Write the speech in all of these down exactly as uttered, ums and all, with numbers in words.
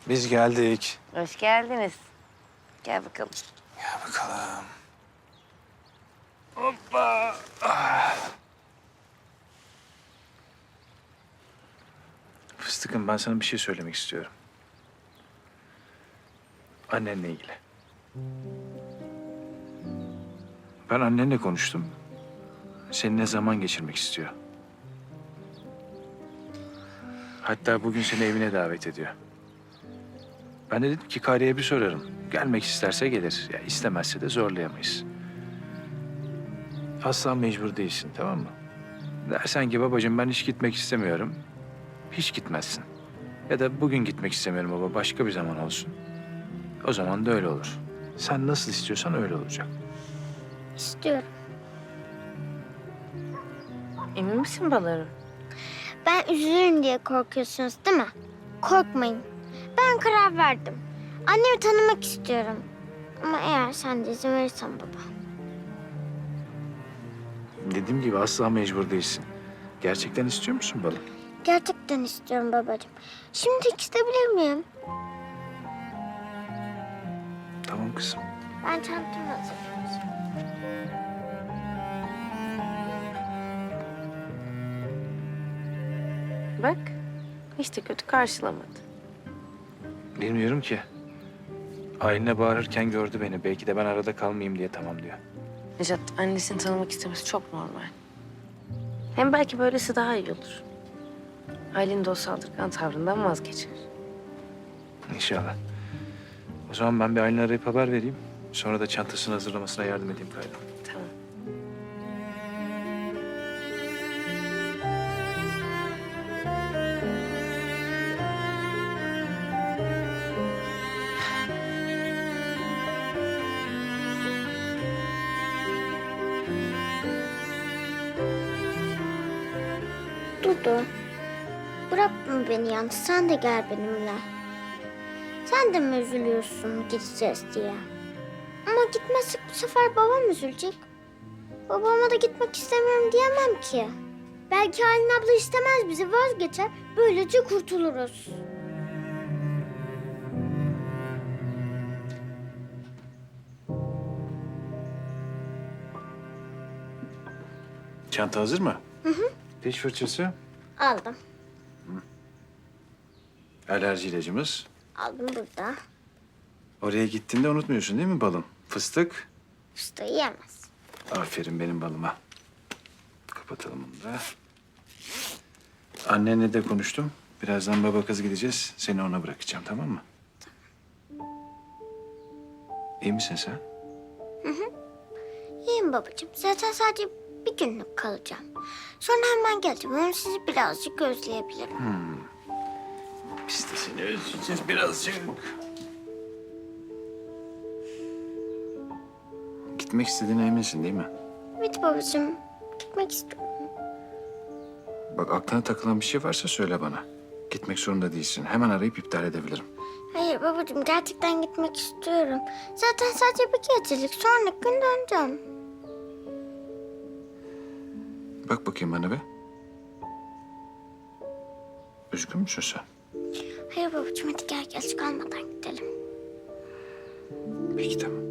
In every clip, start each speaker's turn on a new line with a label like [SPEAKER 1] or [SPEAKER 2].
[SPEAKER 1] Biz geldik.
[SPEAKER 2] Hoş geldiniz. Gel bakalım.
[SPEAKER 1] Gel bakalım. Hoppa. Ah. Fıstıkım, ben sana bir şey söylemek istiyorum. Annenle ilgili. Ben annenle konuştum. Seninle zaman geçirmek istiyor. Hatta bugün seni evine davet ediyor. Ben de dedim ki Kari'ye bir sorarım. Gelmek isterse gelir. Ya istemezse de zorlayamayız. Asla mecbur değilsin, tamam mı? Dersen ki babacığım ben hiç gitmek istemiyorum. Hiç gitmezsin. Ya da bugün gitmek istemiyorum baba, başka bir zaman olsun. O zaman da öyle olur. Sen nasıl istiyorsan öyle olacak.
[SPEAKER 3] İstiyorum.
[SPEAKER 2] Emin misin balarım?
[SPEAKER 3] Ben üzülürüm diye korkuyorsunuz değil mi? Korkmayın. Ben karar verdim. Annemi tanımak istiyorum. Ama eğer sen de izin verirsen baba.
[SPEAKER 1] Dediğim gibi asla mecbur değilsin. Gerçekten istiyor musun balım?
[SPEAKER 3] Gerçekten istiyorum babacığım. Şimdi istebilir miyim?
[SPEAKER 1] Tamam kızım.
[SPEAKER 3] Ben çantamı hazırlayayım.
[SPEAKER 2] Bak, hiç de kötü karşılamadı.
[SPEAKER 1] Bilmiyorum ki. Aylin'e bağırırken gördü beni. Belki de ben arada kalmayayım diye tamam diyor.
[SPEAKER 2] Necat, annesini tanımak istemesi çok normal. Hem belki böylesi daha iyi olur. Aylin de o saldırgan tavrından vazgeçer.
[SPEAKER 1] İnşallah. O zaman ben bir Aylin'i arayıp haber vereyim. Sonra da çantasını hazırlamasına yardım edeyim Kayra.
[SPEAKER 2] Tamam.
[SPEAKER 3] Dudu, bırakma beni yalnız. Sen de gel benimle. Sen de mi üzülüyorsun gideceğiz diye? Ama gitmezsek bu sefer babam üzülecek. Babama da gitmek istemiyorum diyemem ki. Belki Aylin abla istemez bizi, vazgeçer. Böylece kurtuluruz.
[SPEAKER 1] Çanta hazır mı? Hı hı. Diş fırçası,
[SPEAKER 3] Aldım.
[SPEAKER 1] alerji ilacımız.
[SPEAKER 3] Aldım burada.
[SPEAKER 1] Oraya gittiğinde unutmuyorsun değil mi balım? Fıstık.
[SPEAKER 3] Fıstığı yiyemez.
[SPEAKER 1] Aferin benim balıma. Kapatalım bunu da. Annenle de konuştum. Birazdan baba kız gideceğiz. Seni ona bırakacağım, tamam mı? İyi misin sen?
[SPEAKER 3] İyiyim babacığım. Zaten sadece bir günlük kalacağım. Sonra hemen geleceğim. Hem sizi birazcık özleyebilirim.
[SPEAKER 1] Biz de seni özleyeceğiz birazcık. Gitmek istediğine eminsin değil mi?
[SPEAKER 3] Evet babacığım. Gitmek istiyorum.
[SPEAKER 1] Bak aklına takılan bir şey varsa söyle bana. Gitmek zorunda değilsin. Hemen arayıp iptal edebilirim.
[SPEAKER 3] Hayır babacığım, gerçekten gitmek istiyorum. Zaten sadece bir gecelik. Sonraki gün döneceğim.
[SPEAKER 1] Bak bakayım bana be. Üzgün müsün sen?
[SPEAKER 3] Hayır babacığım, hadi gel geç kalmadan gidelim.
[SPEAKER 1] Peki tamam.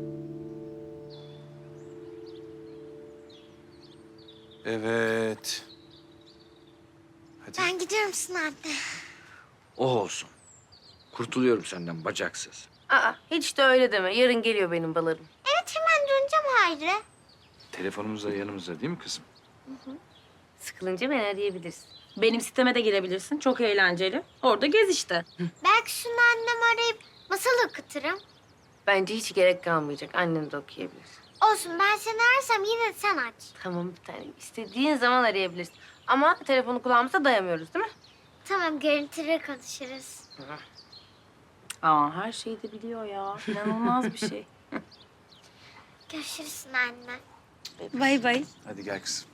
[SPEAKER 1] Evet. Hadi.
[SPEAKER 3] Ben gidiyor musun anne?
[SPEAKER 4] O olsun. Kurtuluyorum senden bacaksız.
[SPEAKER 2] Aa, hiç de öyle deme. Yarın geliyor benim balarım.
[SPEAKER 3] Evet, hemen döneceğim Hayri.
[SPEAKER 1] Telefonumuz da yanımızda değil mi kızım?
[SPEAKER 2] Sıkılınca beni arayabilirsin.
[SPEAKER 5] Benim siteme de girebilirsin. Çok eğlenceli. Orada gez işte.
[SPEAKER 3] Belki şunu anneme arayıp masal okuturum.
[SPEAKER 2] Bence hiç gerek kalmayacak. Annen de okuyabilir.
[SPEAKER 3] Olsun, ben seni ararsam yine de sen aç.
[SPEAKER 2] Tamam bir tane. İstediğin zaman arayabilirsin. Ama telefonu kulağımıza dayamıyoruz değil mi?
[SPEAKER 3] Tamam, görüntülü konuşuruz.
[SPEAKER 5] Aa, her şeyi de biliyor ya. İnanılmaz bir şey.
[SPEAKER 3] Görüşürüz anne.
[SPEAKER 5] Bay bay.
[SPEAKER 1] Hadi gel kızım.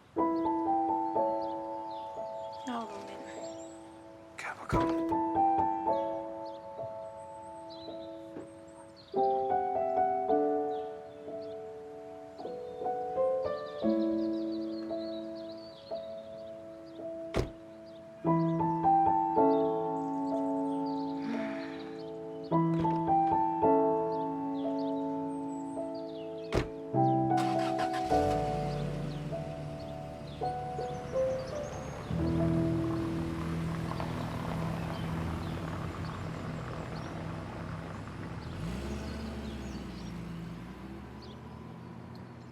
[SPEAKER 5] Yavrum benim.
[SPEAKER 1] Gel bakalım.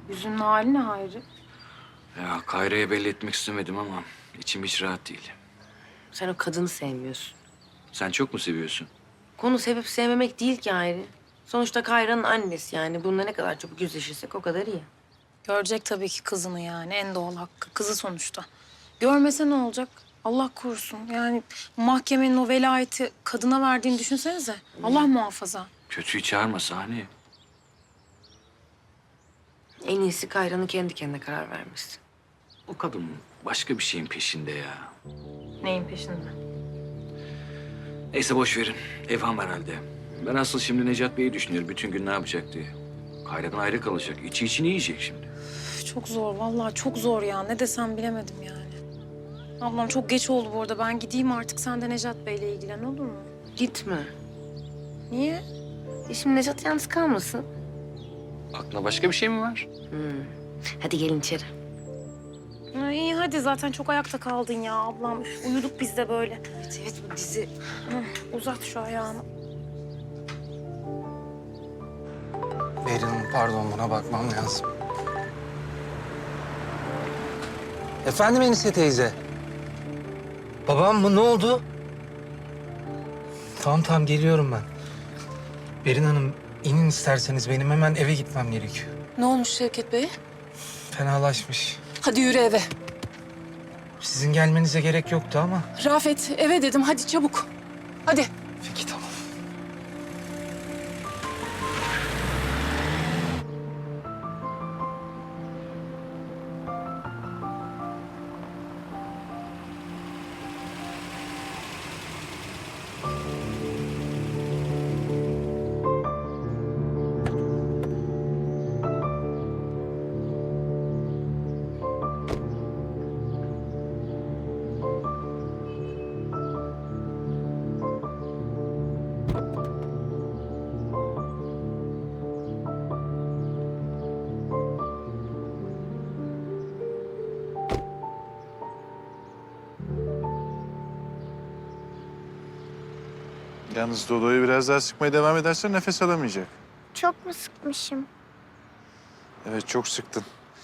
[SPEAKER 5] Yüzünün hali ne Hayri?
[SPEAKER 4] Ya Kayra'ya belli etmek istemedim ama içim hiç rahat değil.
[SPEAKER 2] Sen o kadını sevmiyorsun.
[SPEAKER 4] Sen çok mu seviyorsun?
[SPEAKER 2] Konu sevip sevmemek değil ki ayrı. Sonuçta Kayra'nın annesi yani. Bununla ne kadar çabuk yüzleşirsek o kadar iyi.
[SPEAKER 5] Görecek tabii ki kızını yani. En doğal hakkı. Kızı sonuçta. Görmese ne olacak? Allah korusun. Yani mahkemenin o velayeti kadına verdiğini düşünsenize. Allah muhafaza.
[SPEAKER 4] Kötüyü çağırma Saniye.
[SPEAKER 2] En iyisi Kayra'nın kendi kendine karar vermesi.
[SPEAKER 4] O kadın başka bir şeyin peşinde ya.
[SPEAKER 5] Neyin peşinde?
[SPEAKER 4] Neyse boş verin. Evham herhalde. Ben asıl şimdi Necat Bey'i düşünüyorum. Bütün gün ne yapacak diye. Kayra'dan ayrı kalacak. İçi içini yiyecek şimdi.
[SPEAKER 5] Üf, çok zor. Vallahi çok zor ya. Ne desem bilemedim yani. Ablam çok geç oldu bu arada. Ben gideyim artık. Sen de Necat Bey'le ilgilen olur mu?
[SPEAKER 2] Gitme.
[SPEAKER 5] Niye?
[SPEAKER 2] E şimdi Necat yalnız kalmasın.
[SPEAKER 4] Aklına başka bir şey mi var?
[SPEAKER 2] Hmm. Hadi gelin içeri.
[SPEAKER 5] Ha, iyi hadi zaten çok ayakta kaldın ya ablam. Üf, uyuduk biz de böyle.
[SPEAKER 2] Evet evet bu dizi.
[SPEAKER 5] Hı, uzat şu ayağını.
[SPEAKER 6] Berin Hanım, pardon, buna bakmam lazım. Efendim Enise teyze? Babam mı? Ne oldu? Tamam tamam, geliyorum ben. Berin Hanım, inin isterseniz, benim hemen eve gitmem gerekiyor.
[SPEAKER 7] Ne olmuş Şevket Bey?
[SPEAKER 6] Fenalaşmış.
[SPEAKER 7] Hadi yürü eve.
[SPEAKER 6] Sizin gelmenize gerek yoktu ama.
[SPEAKER 7] Rafet eve dedim hadi çabuk. Hadi.
[SPEAKER 6] Peki tamam.
[SPEAKER 8] Yalnız Dodo'yu biraz daha sıkmaya devam edersen nefes alamayacak.
[SPEAKER 3] Çok mu sıkmışım?
[SPEAKER 8] Evet, çok sıktın.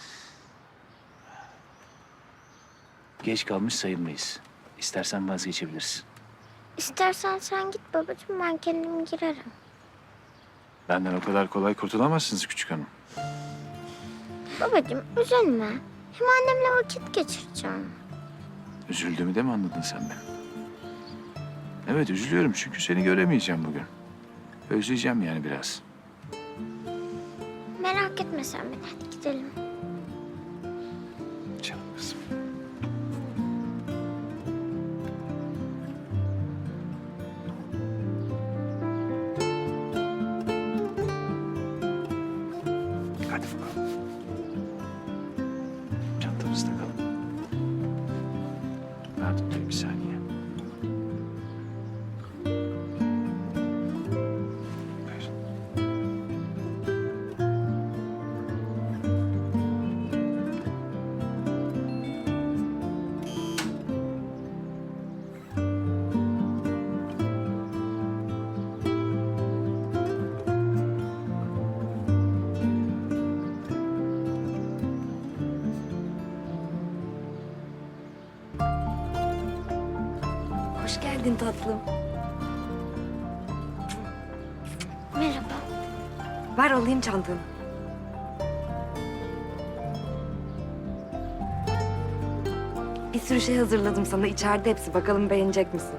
[SPEAKER 1] Geç kalmış sayılmayız. İstersen vazgeçebilirsin.
[SPEAKER 3] İstersen sen git babacığım, ben kendim girerim.
[SPEAKER 1] Benden o kadar kolay kurtulamazsınız küçük hanım.
[SPEAKER 3] Babacığım üzülme. Hem annemle vakit geçireceğim.
[SPEAKER 1] Üzüldüğümü de mi anladın sen beni? Evet üzülüyorum çünkü seni göremeyeceğim bugün. Özleyeceğim yani biraz.
[SPEAKER 3] Merak etme sen beni, hadi gidelim.
[SPEAKER 1] Canım kızım. Hadi bakalım. Çantamızda kalın. Pardon dur bir saniye. Buyurun.
[SPEAKER 2] Hoş geldin tatlım.
[SPEAKER 3] Merhaba.
[SPEAKER 2] Ver alayım çantanı. Bir sürü şey hazırladım sana. İçeride hepsi. Bakalım beğenecek misin?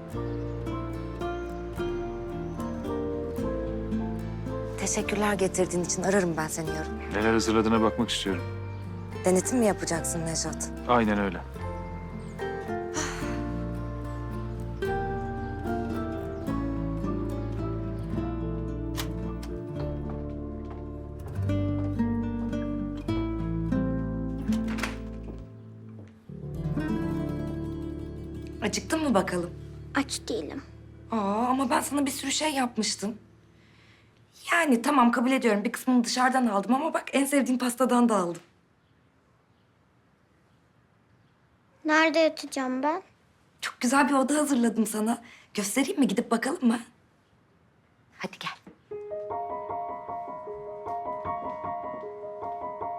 [SPEAKER 9] Teşekkürler getirdiğin için. Ararım ben seni yarın.
[SPEAKER 1] Neler hazırladığına bakmak istiyorum.
[SPEAKER 9] Denetim mi yapacaksın Nejat?
[SPEAKER 1] Aynen öyle.
[SPEAKER 9] Acıktın mı bakalım?
[SPEAKER 3] Aç değilim.
[SPEAKER 9] Aa, ama ben sana bir sürü şey yapmıştım. Yani tamam kabul ediyorum. Bir kısmını dışarıdan aldım ama bak en sevdiğim pastadan da aldım.
[SPEAKER 3] Nerede yatacağım ben?
[SPEAKER 9] Çok güzel bir oda hazırladım sana. Göstereyim mi? Gidip bakalım mı? Hadi gel.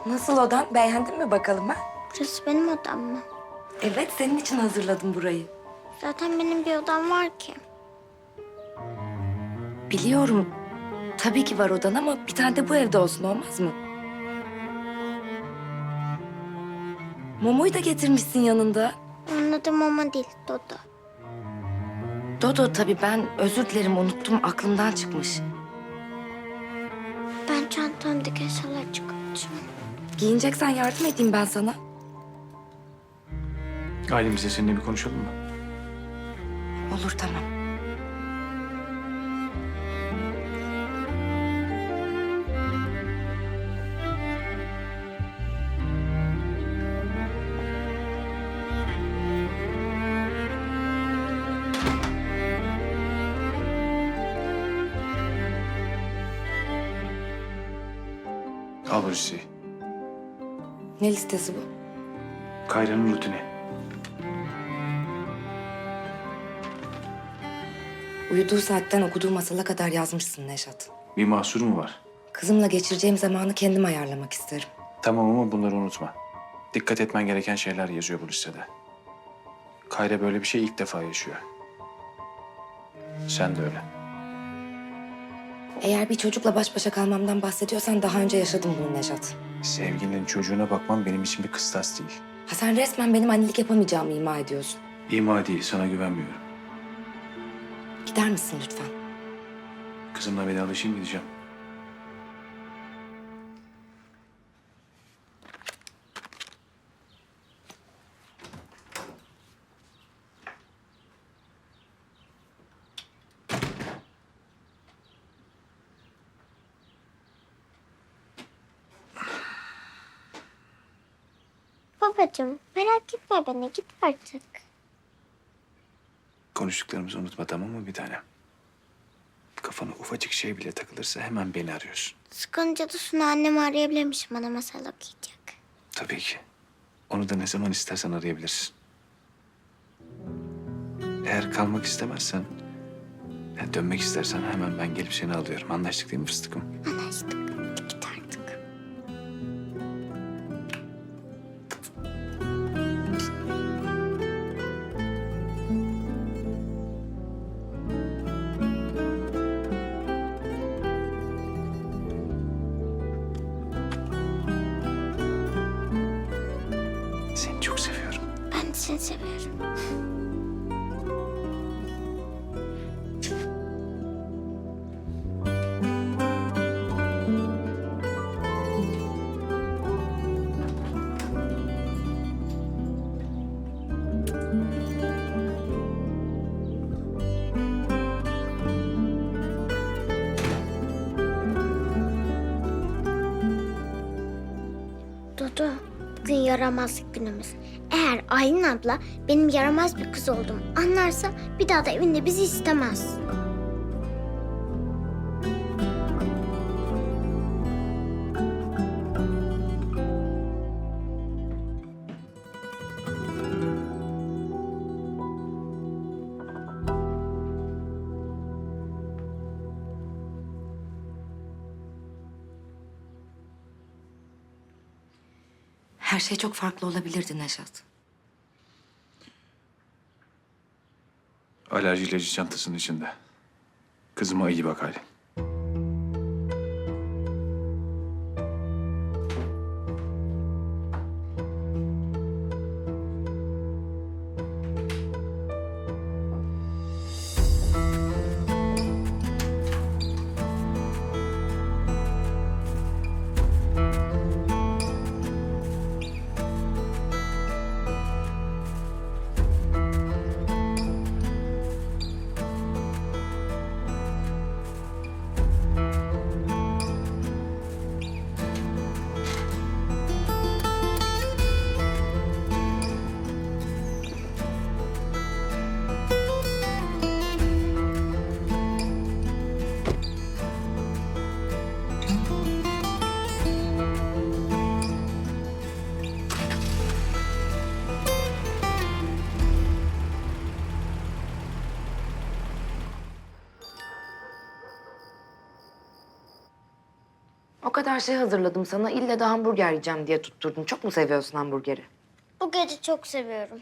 [SPEAKER 9] Nasıl odan? Beğendin mi bakalım ha?
[SPEAKER 3] Burası benim odam mı?
[SPEAKER 9] Evet, senin için hazırladım burayı.
[SPEAKER 3] Zaten benim bir odam var ki.
[SPEAKER 9] Biliyorum. Tabii ki var odan ama bir tane de bu evde olsun, olmaz mı? Momo'yu da getirmişsin yanında.
[SPEAKER 3] Onun adı Mama değil, Dodo.
[SPEAKER 9] Dodo tabii, ben özür dilerim, unuttum, aklımdan çıkmış.
[SPEAKER 3] Ben çantamdaki eşyaları çıkartacağım.
[SPEAKER 9] Giyineceksen yardım edeyim ben sana.
[SPEAKER 1] Ailemizle seninle bir konuşalım mı?
[SPEAKER 9] Olur, tamam.
[SPEAKER 1] Al bu listeyi.
[SPEAKER 9] Ne listesi bu?
[SPEAKER 1] Kayra'nın rutini.
[SPEAKER 9] Uyuduğu saatten okuduğu masala kadar yazmışsın Neşat.
[SPEAKER 1] Bir mahsur mu var?
[SPEAKER 9] Kızımla geçireceğim zamanı kendim ayarlamak isterim.
[SPEAKER 1] Tamam ama bunları unutma. Dikkat etmen gereken şeyler yazıyor bu listede. Kayra böyle bir şey ilk defa yaşıyor. Sen de öyle.
[SPEAKER 9] Eğer bir çocukla baş başa kalmamdan bahsediyorsan daha önce yaşadım bunu Neşat.
[SPEAKER 1] Sevgilinin çocuğuna bakmam benim için bir kıstas değil.
[SPEAKER 9] Ha sen resmen benim annelik yapamayacağımı ima ediyorsun.
[SPEAKER 1] İma değil, sana güvenmiyorum.
[SPEAKER 9] Gider misin lütfen?
[SPEAKER 1] Kızımla vedalaşayım gideceğim.
[SPEAKER 3] Babacığım merak etme beni, git artık.
[SPEAKER 1] Konuştuklarımızı unutma, tamam mı bir tanem? Kafana ufacık şey bile takılırsa hemen beni arıyorsun.
[SPEAKER 3] Sıkınca da Sunu annemi arayabilirmişim, bana masal okuyacak.
[SPEAKER 1] Tabii ki. Onu da ne zaman istersen arayabilirsin. Eğer kalmak istemezsen, yani dönmek istersen hemen ben gelip seni alıyorum. Anlaştık değil mi fıstıkım?
[SPEAKER 3] Anlaştık. Git artık.
[SPEAKER 1] Seni çok seviyorum.
[SPEAKER 3] Ben de seni seviyorum. Dodo, bugün yaramazlık günümüz. Eğer Aylin abla benim yaramaz bir kız olduğumu anlarsa bir daha da evinde bizi istemez.
[SPEAKER 9] Her şey çok farklı olabilirdi Neşat.
[SPEAKER 1] Alerji ilacı çantasının içinde. Kızıma iyi bak Aylin.
[SPEAKER 9] O kadar şey hazırladım sana. İlle de hamburger yiyeceğim diye tutturdun. Çok mu seviyorsun hamburgeri?
[SPEAKER 3] Bu gece çok seviyorum.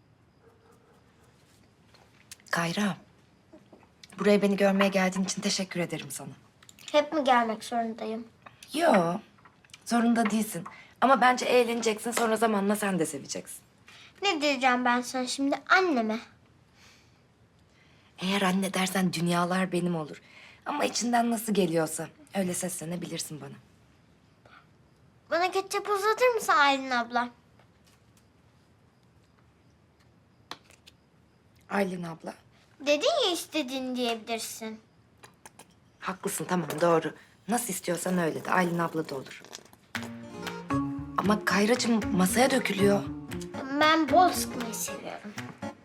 [SPEAKER 9] Kayra. Buraya beni görmeye geldiğin için teşekkür ederim sana.
[SPEAKER 3] Hep mi gelmek zorundayım?
[SPEAKER 9] Yo, zorunda değilsin. Ama bence eğleneceksin. Sonra zamanla sen de seveceksin.
[SPEAKER 3] Ne diyeceğim ben sana şimdi anneme?
[SPEAKER 9] Eğer anne dersen dünyalar benim olur. Ama içinden nasıl geliyorsa öyle seslenebilirsin bana.
[SPEAKER 3] Bana ketçap uzatır mısın Aylin abla?
[SPEAKER 9] Aylin abla.
[SPEAKER 3] Dedin ya istediğini diyebilirsin.
[SPEAKER 9] Haklısın, tamam, doğru. Nasıl istiyorsan öyle de. Aylin abla da olur. Ama Kayracığım masaya dökülüyor.
[SPEAKER 3] Ben bol sıkmayı seviyorum.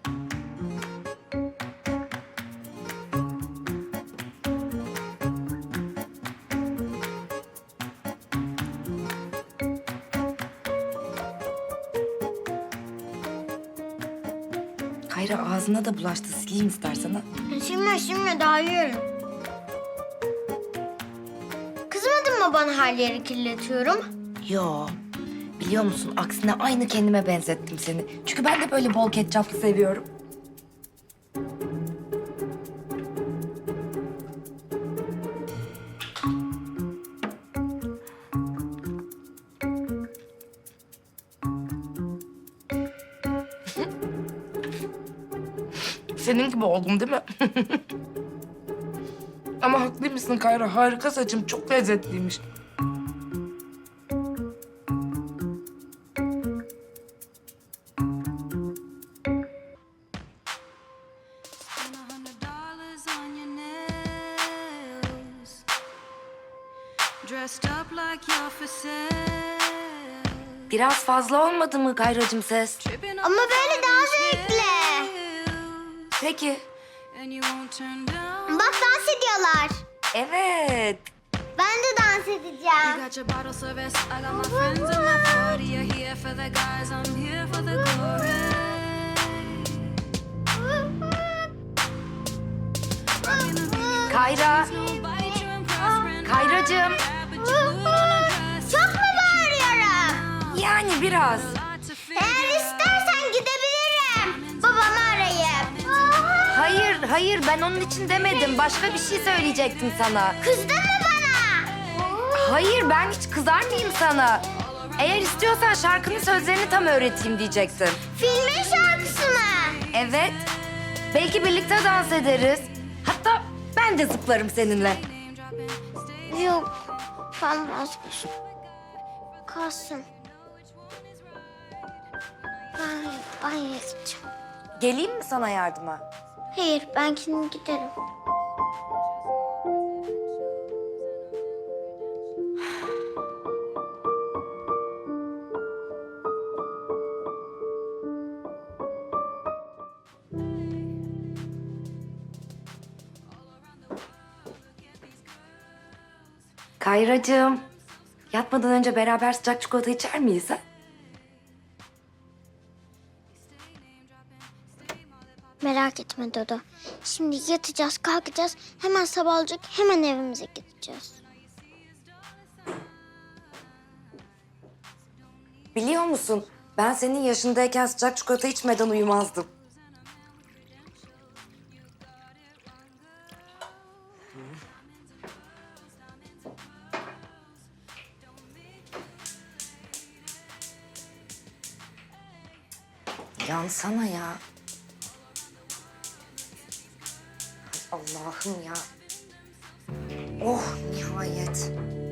[SPEAKER 9] Kayra ağzına da bulaştı. Sileyim istersen ha.
[SPEAKER 3] Şimdi şimdi daha yiyorum. Kızmadın mı bana her yeri kirletiyorum?
[SPEAKER 9] Yo. Biliyor musun, aksine aynı kendime benzettim seni. Çünkü ben de böyle bol ketçaplı seviyorum. Senin gibi oldum değil mi? Ama haklıymışsın Kayra. Harika saçım. Çok lezzetliymiş. Biraz fazla olmadı mı Kayracığım ses?
[SPEAKER 3] Ama böyle daha zevkli.
[SPEAKER 9] Peki.
[SPEAKER 3] Bak dans ediyorlar.
[SPEAKER 9] Evet.
[SPEAKER 3] Ben de dans edeceğim.
[SPEAKER 9] Kayra. Kayracığım.
[SPEAKER 3] Çok mu bağırıyorum?
[SPEAKER 9] Yani biraz.
[SPEAKER 3] Eğer istersen gidebilirim. Babamı arayıp.
[SPEAKER 9] Hayır, hayır. Ben onun için demedim. Başka bir şey söyleyecektim sana.
[SPEAKER 3] Kızdın mı bana?
[SPEAKER 9] Hayır, ben hiç kızar mıyım sana? Eğer istiyorsan şarkının sözlerini tam öğreteyim diyecektim.
[SPEAKER 3] Filmin şarkısı mı?
[SPEAKER 9] Evet. Belki birlikte dans ederiz. Hatta ben de zıplarım seninle.
[SPEAKER 3] Yok. Ben vazgeçtim. Kalsın. Ben banyoya gideceğim.
[SPEAKER 9] Geleyim mi sana yardıma?
[SPEAKER 3] Hayır, ben kendim giderim.
[SPEAKER 9] Kayracığım, yatmadan önce beraber sıcak çikolata içer miyiz ha?
[SPEAKER 3] Merak etme Dodo. Şimdi yatacağız, kalkacağız. Hemen sabah olacak, hemen evimize gideceğiz.
[SPEAKER 9] Biliyor musun, ben senin yaşındayken sıcak çikolata içmeden uyumazdım. Yansana ya. Ay Allah'ım ya. Oh nihayet.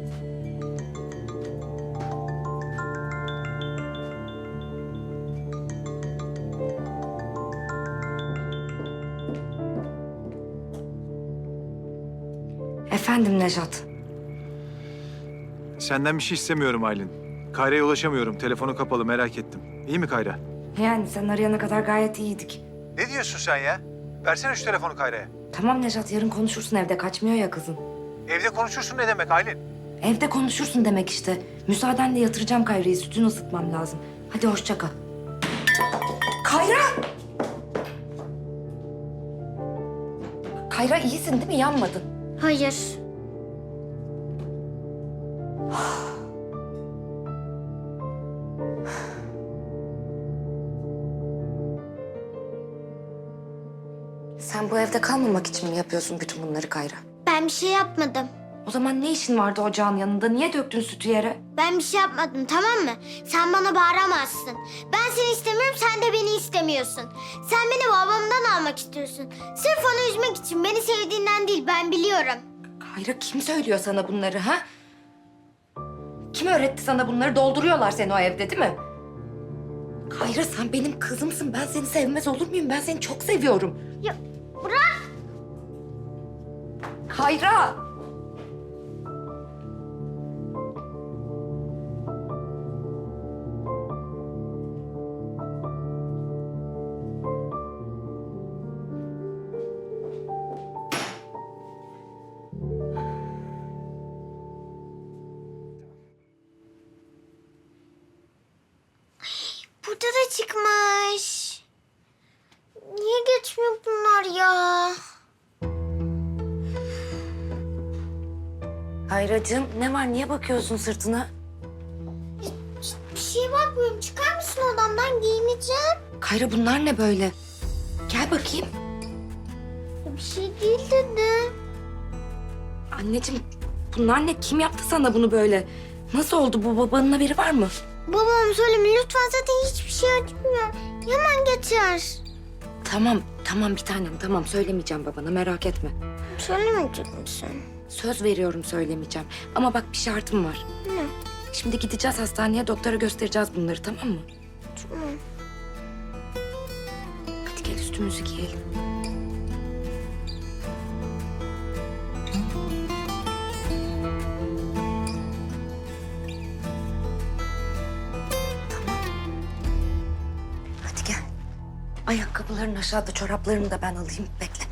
[SPEAKER 9] Efendim Nejat.
[SPEAKER 8] Senden bir şey istemiyorum Aylin. Kayra'ya ulaşamıyorum. Telefonu kapalı, merak ettim. İyi mi Kayra?
[SPEAKER 9] Yani sen arayana kadar gayet iyiydik.
[SPEAKER 8] Ne diyorsun sen ya? Versene şu telefonu Kayra'ya.
[SPEAKER 9] Tamam Nejat, yarın konuşursun, evde kaçmıyor ya kızın.
[SPEAKER 8] Evde konuşursun ne demek Aylin?
[SPEAKER 9] Evde konuşursun demek işte. Müsaadenle yatıracağım Kayra'yı, sütünü ısıtmam lazım. Hadi hoşça kal. Kayra! Kayra iyisin değil mi? Yanmadın.
[SPEAKER 3] Hayır.
[SPEAKER 9] Sen bu evde kalmamak için mi yapıyorsun bütün bunları Kayra?
[SPEAKER 3] Ben bir şey yapmadım.
[SPEAKER 9] O zaman ne işin vardı ocağın yanında? Niye döktün sütü yere?
[SPEAKER 3] Ben bir şey yapmadım, tamam mı? Sen bana bağıramazsın. Ben seni istemiyorum, sen de beni istemiyorsun. Sen beni babamdan almak istiyorsun. Sırf onu üzmek için, beni sevdiğinden değil, ben biliyorum.
[SPEAKER 9] Kayra kim söylüyor sana bunları ha? Kim öğretti sana bunları? Dolduruyorlar seni o evde değil mi? Kayra sen benim kızımsın. Ben seni sevmez olur muyum? Ben seni çok seviyorum.
[SPEAKER 3] Ya bırak!
[SPEAKER 9] Kayra!
[SPEAKER 3] Burada da çıkmış. Niye geçmiyor bunlar ya?
[SPEAKER 9] Kayracığım ne var? Niye bakıyorsun sırtına?
[SPEAKER 3] Bir şeye bakmıyorum. Çıkar mısın odamdan? Giyineceğim.
[SPEAKER 9] Kayra bunlar ne böyle? Gel bakayım.
[SPEAKER 3] Bir şey değil dedi.
[SPEAKER 9] Anneciğim bunlar ne? Kim yaptı sana bunu böyle? Nasıl oldu bu? Babanın haberi var mı?
[SPEAKER 3] Babam söyleme lütfen, zaten hiçbir şey acımıyor. Hemen geçer.
[SPEAKER 9] Tamam, tamam bir tanem. Tamam söylemeyeceğim babana merak etme.
[SPEAKER 3] Söylemeyecek misin?
[SPEAKER 9] Söz veriyorum söylemeyeceğim. Ama bak bir şartım var.
[SPEAKER 3] Ne?
[SPEAKER 9] Şimdi gideceğiz hastaneye doktora göstereceğiz bunları tamam mı?
[SPEAKER 3] Tamam.
[SPEAKER 9] Hadi gel üstümüzü giyelim. Tamam. Hadi gel. Ayakkabıların aşağıda, çoraplarını da ben alayım. Bekle.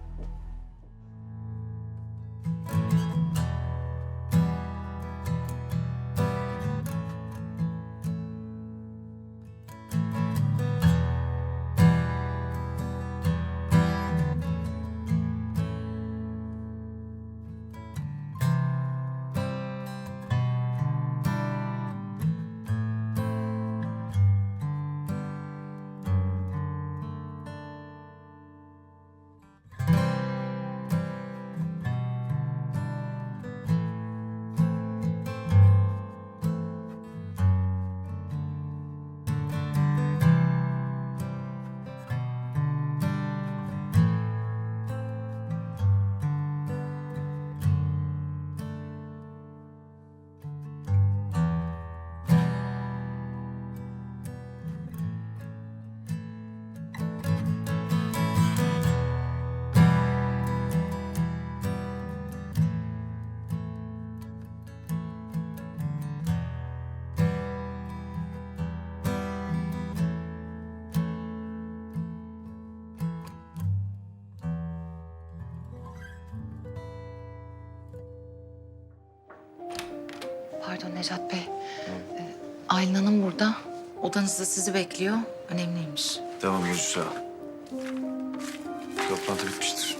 [SPEAKER 10] Pardon Necat Bey. Ee, Aylin Hanım burada. Odanızda sizi bekliyor. Önemliymiş.
[SPEAKER 8] Tamam Burcu sağ ol. Toplantı bitmiştir.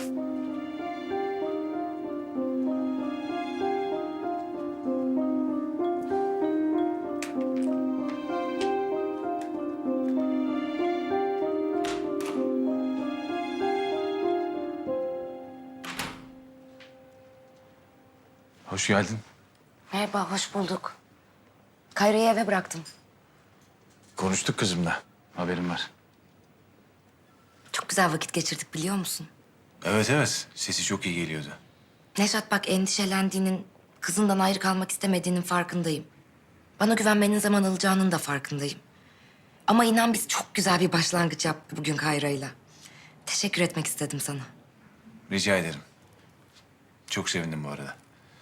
[SPEAKER 1] Hoş geldin.
[SPEAKER 9] Merhaba, hoş bulduk. Kayra'yı eve bıraktım.
[SPEAKER 1] Konuştuk kızımla. Haberim var.
[SPEAKER 9] Çok güzel vakit geçirdik biliyor musun?
[SPEAKER 1] Evet evet. Sesi çok iyi geliyordu.
[SPEAKER 9] Neşat bak endişelendiğinin, kızından ayrı kalmak istemediğinin farkındayım. Bana güvenmenin zaman alacağının da farkındayım. Ama inan biz çok güzel bir başlangıç yaptık bugün Kayra'yla. Teşekkür etmek istedim sana.
[SPEAKER 1] Rica ederim. Çok sevindim bu arada.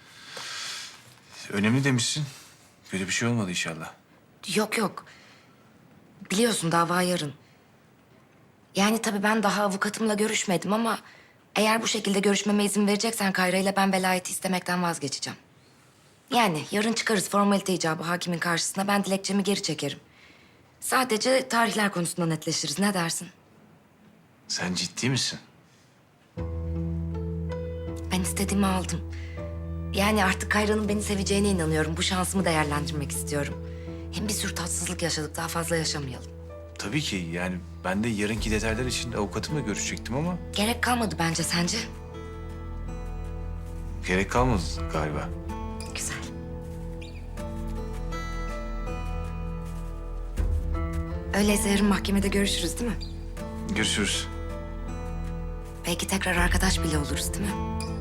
[SPEAKER 1] Önemli demişsin. Kötü bir şey olmadı inşallah.
[SPEAKER 9] Yok yok. Biliyorsun dava yarın. Yani tabii ben daha avukatımla görüşmedim ama... eğer bu şekilde görüşmeme izin vereceksen Kayra'yla ben velayeti istemekten vazgeçeceğim. Yani yarın çıkarız formalite icabı hakimin karşısına. Ben dilekçemi geri çekerim. Sadece tarihler konusunda netleşiriz. Ne dersin?
[SPEAKER 1] Sen ciddi misin?
[SPEAKER 9] Ben istediğimi aldım. Yani artık Kayra'nın beni seveceğine inanıyorum. Bu şansımı değerlendirmek istiyorum. Hem bir sürü tatsızlık yaşadık. Daha fazla yaşamayalım.
[SPEAKER 1] tabii ki yani ben de yarınki detaylar için avukatımla görüşecektim ama
[SPEAKER 9] Gerek kalmadı bence sence.
[SPEAKER 1] gerek kalmadı galiba.
[SPEAKER 9] Güzel. Öyleyse yarın mahkemede görüşürüz değil mi?
[SPEAKER 1] Görüşürüz.
[SPEAKER 9] Belki tekrar arkadaş bile oluruz değil mi?